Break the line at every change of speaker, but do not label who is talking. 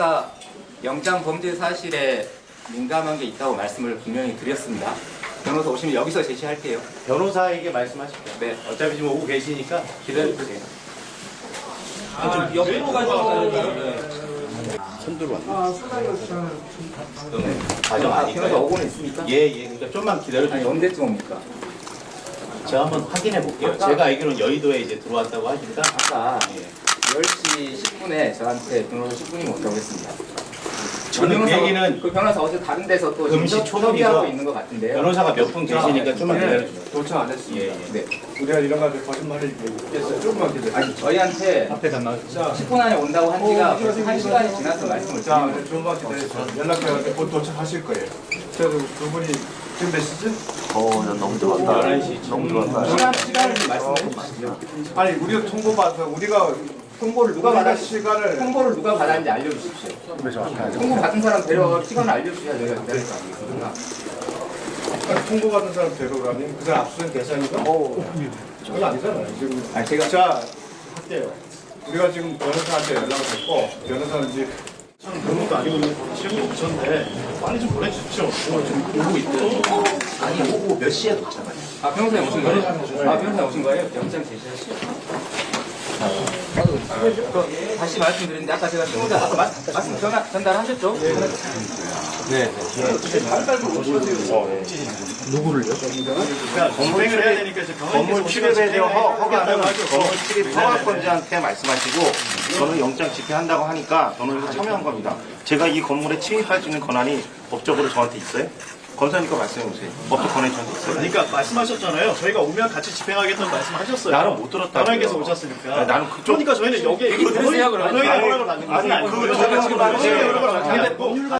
아까 영장 범죄 사실에 민감한 게 있다고 말씀을 분명히 드렸습니다. 변호사 오시면 여기서 제시할게요.
변호사에게 말씀하실게요.
네.
어차피 지금 오고 계시니까
기다려주세요.
옆으로 가져가요.
손들어 왔네.
과정 변호사 오고는 있습니까?
예. 그러니까 좀만
아니
기다려주세요.
언제쯤 옵니까?
제가 한번 확인해 볼게요. 제가 알기로는 여의도에 이제 들어왔다고 하니까.
아까
예.
10시 10분에 저한테 변호사 10분이면 온다고 했습니다.
저는 그 얘기는
그 변호사 어제 다른 데서 또
금시
지금
초동이죠.
협의하고 있는 것 같은데요.
변호사가 몇 분 계시니까 좀만 기다려주세요.
도착 안 했습니다.
예.
네.
우리가 이런 거 가지고 거짓말을 얘기했어요. 조금만 기다려.
아니 저희한테
앞에 담당.
10분 안에 온다고 한 지가 벌써 1시간이 지나서 말씀을
자,
드리는 거예요.
조금만 기다려서 연락해가지고 곧 도착하실 거예요. 그래도 두 분이 지금 몇 시지?
난 너무 들어왔다.
11시
너무 들어왔다.
시간을 좀 말씀해 주시죠.
아니, 우리가 통보받아서 우리가
통보를 누가 받았
시간을
통보를 누가 받았는지 알려주십시오. 통보 받은 사람 데려가 시간을 알려주셔야 저희가 기다릴 거 아니겠습니까?
통보받은 사람 데려가면 그 사람 압수된 대상이가? 저건 아니잖아요. 지금
아니 제가
자, 할게요. 우리가 지금 변호사한테 연락을 했고 변호사는 이제
그런 것도 아니고 지금 오셨는데 빨리 좀 보내주십시오. 지금 오고 있대요.
아니 오고 몇 시에 도착하냐?
아 변호사님 오신 거예요? 아 변호사님 오신 거예요? 영장 제시하시죠. 다시 말씀드리는데 아까 제가 신고자 아까 말씀 전달하셨죠?
건물 해야 되니까 이제
건물 출입에 대한 허가는 건물 출입 허가권자한테 말씀하시고 저는 영장 집행한다고 하니까 저는 이거 참여한 겁니다. 제가 이 건물에 침입할 수 있는 권한이 법적으로 저한테 있어요? 검사니까 말씀해 보세요. 법적 권한이 저한테 있어요?
그러니까 말씀하셨잖아요. 저희가 오면 같이 집행하겠다는 말씀하셨어요.
나는 못 들었다고요.
단원께서 오셨으니까.
아니, 나는 그쪽
그러니까 저희는 여기에
그러세요, 그러면.
단원의 허락을 받는 거예요.
아니, 그거 저희가 지금
단원의 허락을 받는 게 아니고